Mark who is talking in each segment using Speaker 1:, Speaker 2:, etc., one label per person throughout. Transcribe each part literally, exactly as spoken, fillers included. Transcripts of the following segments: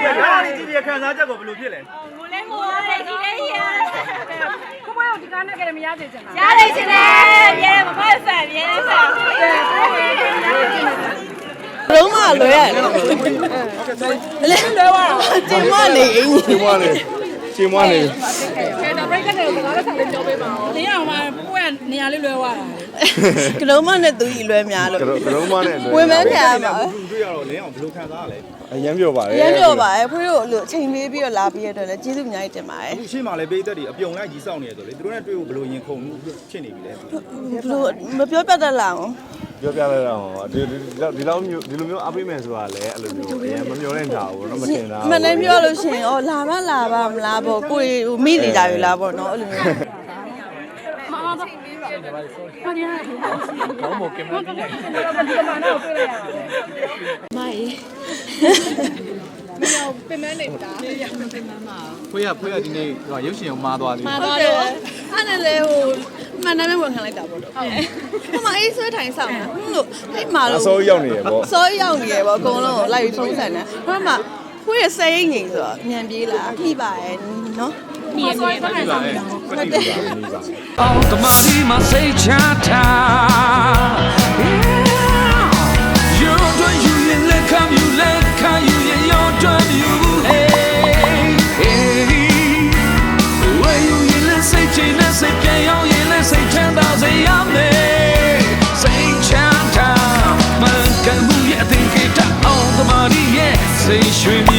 Speaker 1: ဒါလေးကြည့်ပြီးခံစားချက်ကိုဘယ်လိုဖြစ်လဲ
Speaker 2: ငိုလဲငိုရတယ်ဒီလေးရကိုပွဲကိုဒီကားနဲ့ကြတယ်မရသေးချင်လားရသေးချင်တယ်ရဲမဖတ်ဆန်ရဲဆန်
Speaker 3: လုံးမလွယ်ရတယ်လဲလွယ်သွားတာကျင်မနေအင်း
Speaker 4: ကျင်မနေကျင်မနေ
Speaker 2: ခဲတော့ break နဲ့တော့ငါလည်းဆောင်ပြောပေးပါဦးတင်းအောင်မှာပွဲနေရာလေးလွယ်သွားတာ
Speaker 3: ကလုံးမနဲ့သူကြီးလွယ်များလို့
Speaker 4: ကလုံးမနဲ့
Speaker 3: ဝင်မခံရမှာ
Speaker 1: တွေ့ရတော့လင်းအောင်ဘယ်လိုခံစားရလဲ
Speaker 4: အရင်ပြောပါလေ
Speaker 3: အရင်ပြောပါရဲ့ဖွေးတို့လို့အချိန်လေးပြီးတော့လာပြီးရတော့လည်းကျေးဇူးအများကြီးတင်ပါတယ်
Speaker 1: အခုရှေ့မှာလည်းပေးသက်တွေအပြုံလိုက်ကြီးစောင့်နေရဆိုလေသူတို့နဲ့တွေ့ဖို့ဘယ်လိုရင်ခုန်မှုဖြစ်နေပြီလဲ
Speaker 3: ဘလို့မပြောပြတတ်လားအောင်
Speaker 4: ပြောပြလိုက်တော့ဒီဒီလောက်မျိုးဒီလိုမျိုးအပိမယ်ဆိုတာလည်းအဲ့လိုမျိုးအရင်မမျောတဲ့ညာဘူးတော့မတင်တာ
Speaker 3: မနေ့ပြောလို့ရှိရင်ဩလာမလာပါမလားပေါ့ကိုယ်ဟိုမိနေကြပြီလားပေါ့နော်အဲ့လိုမျိုး
Speaker 2: မမတော့ဘာညာဘောမောကင်မရာကြီးဒီကမနာကိုတွေ့လိုက်ရတယ်
Speaker 3: မိုင်း
Speaker 2: မင်းပင်မနေတာပင်မမှာ
Speaker 1: ဖွေးရဖွေးရဒီနေ့ရုပ်ရှင်ကိုမားသွားပြီ
Speaker 3: မားသွားတယ်အဲ့နဲ့လေဟိုမှန်တယ်ဝန်ခံလိုက်တာပေါ့တော့ဟုတ်ဟိုမှာအေးဆွဲထိုင်ဆောင်တာဟုတ်လို့အဲ့မှာလို့
Speaker 4: အစိုးရောက်နေရပေါ့
Speaker 3: အစိုးရောက်နေရပေါ့အကုန်လုံးကိုလိုက်ပြီးဖုန်းဆန်တယ်ဟိုမှာဖွေးရဆဲရိတ်ငိန်ဆိုတော့မြန်ပြေးလာနှိပါရဲ့နော်
Speaker 2: มีซอยก็ได้ครับ
Speaker 5: เอาตมาที่มาใส่ชาตาอยู่ด้วยอยู่ยังเล่นคำอยู่เล่นคำอยู่ยังย้อนจนอยู่เฮ้เฮ้ว่าอยู่ยังเล่นใส่ใจเล่นใส่เพียงยังยังเล่นใส่ฉัน到这样的ใส่ชาตามันกันหู也听给他เอาตมาที่也ใส่水面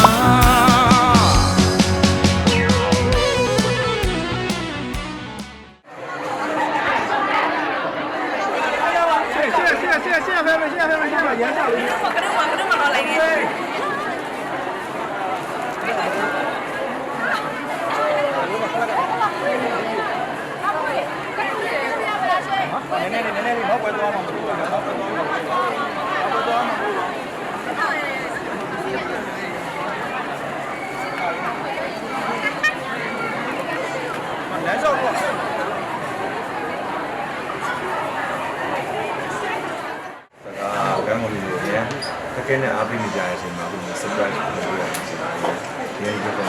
Speaker 4: တကယ်နဲ့အားပေးနေကြတဲ့အချိန်မှာဒီ surprise ကိုလုပ်ရတယ်ဆိုတာဒီအရင်ကတော့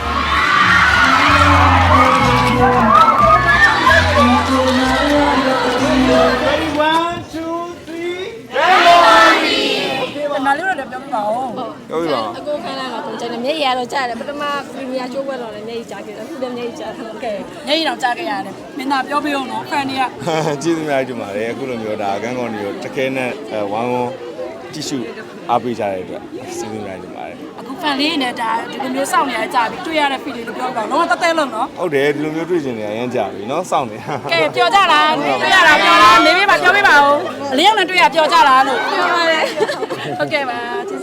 Speaker 2: နားလေးတော့ပြောပြပါဦး
Speaker 4: ပြောပြပါ
Speaker 2: အကိုခန်းလာတော့ကျွန်တော်မျက်ရည်တော့ကြားတယ်ပထမပရီမီယာချိုးပွဲတော့လည်းမျက်ရည်ကြားခဲ့တယ်အခုလည်းမျက်ရည်ကြားတယ်โอเคမျက်ရည်တော့ကြားခဲ့ရတယ်မင်းသားပြောပြအောင်နော်ဖန်တွေက
Speaker 4: ကျေးဇူးများကြီးတင်ပါတယ်အခုလိုမျိုးဒါကန်းကောင်တွေကိုတကယ်နဲ့ဝမ်းဝမ်းကြည့်ရှုအားပေးကြတဲ့အတွက်ကျေးဇူးများတင်ပါတယ်
Speaker 2: အခုဖန်လေးနဲ့ဒါဒီလိုမျိုးစောင့်နေရကြပြီတွေ့ရတဲ့ feel လေးလို့ပြောပါတော့တော့တဲလုံးနော်
Speaker 4: ဟုတ်တယ်ဒီလိုမျိုးတွေ့ကျင်နေရမ်းကြပြီเนาะစောင့်နေ
Speaker 2: ကဲပြောကြလားတွေ့ရတာပြောလားနေပေးပါပြောပေးပါဦးအလင်းအောင်နဲ့တွေ့ရပြောကြလားလို့ပြောပါတယ်ဟုတ်ကဲ့ပါကျေးဇူး